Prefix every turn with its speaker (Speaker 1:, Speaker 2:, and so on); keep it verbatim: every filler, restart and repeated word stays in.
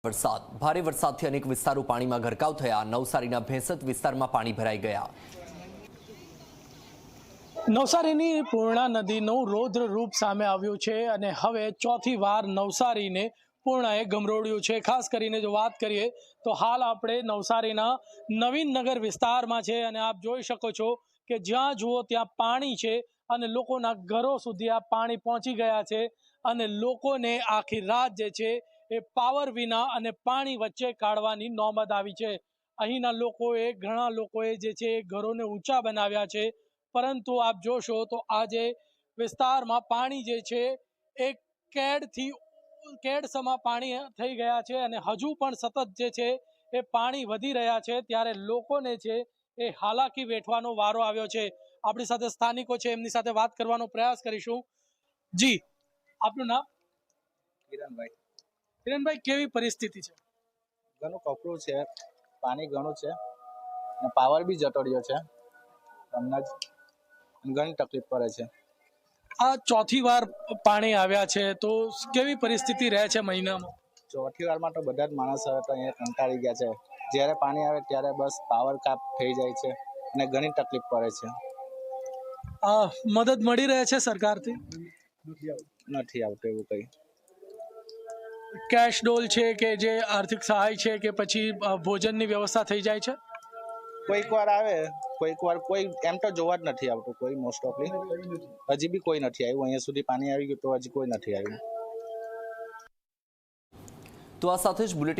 Speaker 1: વરસાદ ભારે વરસાદથી અનેક વિસ્તારો પાણીમાં ગરકાવ થયા। નવસારીના ભેંસત વિસ્તારમાં પાણી ભરાઈ ગયા।
Speaker 2: નવસારીની પૂર્ણા નદીનું રૌદ્ર રૂપ સામે આવ્યું છે અને હવે ચોથી વાર નવસારીને પૂર્ણાએ ગમરોડ્યું છે। ખાસ કરીને જો વાત કરીએ તો હાલ આપણે નવસારીના નવીનનગર વિસ્તારમાં છે અને આપ જોઈ શકો છો કે જ્યાં જુઓ ત્યાં પાણી છે અને લોકોના ઘરો સુધી આ પાણી પહોંચી ગયા છે અને લોકોને આખી રાત જે છે એ પાવર વિના અને પાણી વચ્ચે કાઢવાની નોબત આવી છે। અહીંના લોકોએ ઘણા લોકોએ જે છે ઘરોને ઊંચા બનાવ્યા છે, પરંતુ આપ જોશો તો આજે વિસ્તારમાં પાણી જે છે એ કેડથી કેડસમાં પાણી થઈ ગયા છે અને હજુ પણ સતત જે છે એ પાણી વધી રહ્યા છે, ત્યારે લોકોને છે એ હાલાકી વેઠવાનો વારો આવ્યો છે। આપણી સાથે સ્થાનિકો છે, એમની સાથે વાત કરવાનો પ્રયાસ કરીશું। જી, આપનું નામ?
Speaker 3: કિરણભાઈ।
Speaker 2: કિરણભાઈ, કેવી પરિસ્થિતિ છે?
Speaker 3: ઘણું કપરું છે, પાણી ઘણું છે અને પાવર બી જતો રહ્યો છે। હમણાં જ ઘણી તકલીફ પડે છે।
Speaker 2: આ ચોથી વાર પાણી આવ્યા છે તો કેવી પરિસ્થિતિ રહે છે મહિનામાં?
Speaker 3: ચોથી વારમાં તો બધા જ માણસ હવે તો અહીંયા કંટાળી ગયા છે। જ્યારે પાણી આવે ત્યારે બસ પાવર કાપ થઈ જાય છે અને ઘણી તકલીફ પડે છે।
Speaker 2: આ મદદ મળી રહે છે સરકારથી?
Speaker 3: નથી આવતું એવું કંઈ।
Speaker 2: કેશ ડોલ છે કે જે આર્થિક સહાય છે કે પછી ભોજનની વ્યવસ્થા થઈ જાય છે?
Speaker 3: કોઈક વાર આવે, કોઈક વાર કોઈ એમ તો જોવા જ નથી આવતું કોઈ, મોસ્ટ ઓફલી હજી બી કોઈ નથી આવ્યું। અહીંયા સુધી પાણી આવી ગયું તો હજી કોઈ નથી આવ્યું।
Speaker 1: તો આ સાથે જ બુલેટિન